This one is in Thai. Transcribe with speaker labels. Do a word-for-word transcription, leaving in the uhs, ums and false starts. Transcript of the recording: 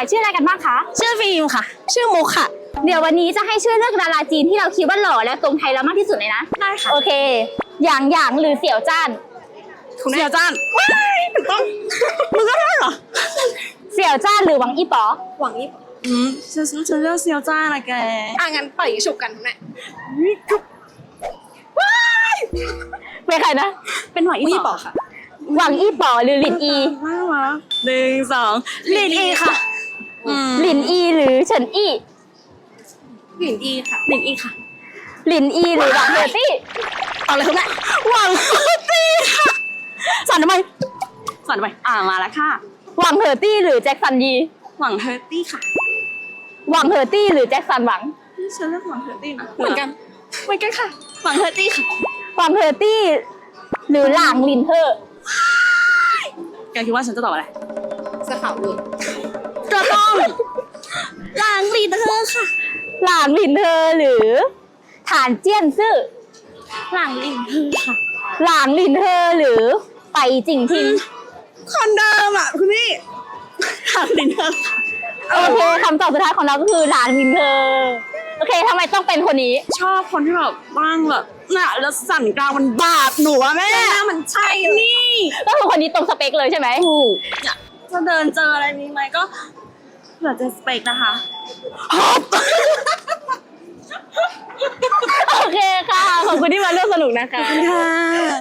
Speaker 1: ชื่ออะไรกันบ้างคะ
Speaker 2: ชื่อฟิล์มค่ะ ชื่อมุกค่ะ
Speaker 1: เดี๋ยววันนี้จะให้ช่วยเลือกดาราจีนที่เราคิดว่าหล่อและตรงไทยเรามากที่สุดเลยนะ
Speaker 2: ได้ค่ะ
Speaker 1: โอเค หยางหยางหรือเสี่ยวจ้าน
Speaker 2: เสี่ยวจ้านว้ายถูกต้องมึงก็ได้เหรอ
Speaker 1: เสี่ยวจ้านหรือหวังอี้ป๋อ
Speaker 2: หวังอีอืมฉันฉันเลือกเสี่ยวจ้านนะแก
Speaker 3: อ่ะงั้นปล่อยฉุบกันทุกเนี่ย
Speaker 1: เป็นใครนะ
Speaker 2: เป็นหวังอี
Speaker 3: วี
Speaker 2: ต่
Speaker 3: บ
Speaker 2: อ
Speaker 3: อกค่ะ
Speaker 1: หวังอี้ป๋อหรือหลินอี
Speaker 2: มากวะหนึ่งสองลินอีค่ะอืม
Speaker 1: หลินอีหรือเฉินอี้
Speaker 3: หลินอีค่ะ
Speaker 2: ลินอีค่ะ
Speaker 1: หลินอีหรือหวังเหอตี้
Speaker 2: เอาเลยคุณแม่หวังตี้ค่ะสั่นทำไมสั่นทำไมอ่ามาแล้วค่ะ
Speaker 1: หวังเหอตี้หรือแจ็คสันยี
Speaker 2: หวังเฮอร์ตี้ค่ะ
Speaker 1: หวังเหอตี้หรือแจ็คสันหวัง
Speaker 2: นี่ฉันเลือกหวังเฮอร์ตี้นะ
Speaker 3: เหมือนกัน
Speaker 2: เหมือนกันค่ะ หวังเฮอร์ตี้ค่ะ
Speaker 1: หวังเหอตี้หรือหลางลินเฮอ
Speaker 2: แกคิดว่าฉันจะตอบอะไร
Speaker 3: สะขาวเลย
Speaker 2: ก็ต้องหลังลินเธอค่ะ
Speaker 1: หลางลินเฮอหรือฐานเจี้ยนซื่อ
Speaker 2: หลังลินเธอค่ะ
Speaker 1: หลางลินเฮอหรือไปจิงทิง
Speaker 2: คนเดิมอ่ะคุณพี่หลังลินเธอค่ะ
Speaker 1: โอเคคำตอบสุดท้ายของเราก็คือหลางลินเฮอโอเคทำไมต้องเป็นคนนี้
Speaker 2: ชอบคนที่แบบบ้างแบบน่ะแล้วสั่นกลางมันบาดหนูอะแม่
Speaker 3: หน้ามันใช่เลย
Speaker 2: นี่
Speaker 1: ก็คือคนนี้ตรงสเปคเลยใช่ไหม
Speaker 2: ถูกเนี่ยจะเดินเจออะไรนี้ไหมก็เผื่อจะสเปกนะคะ
Speaker 1: โอเคค่ะ ขอบคุณที่มาร่วมสนุกนะคะ
Speaker 2: ค่ะ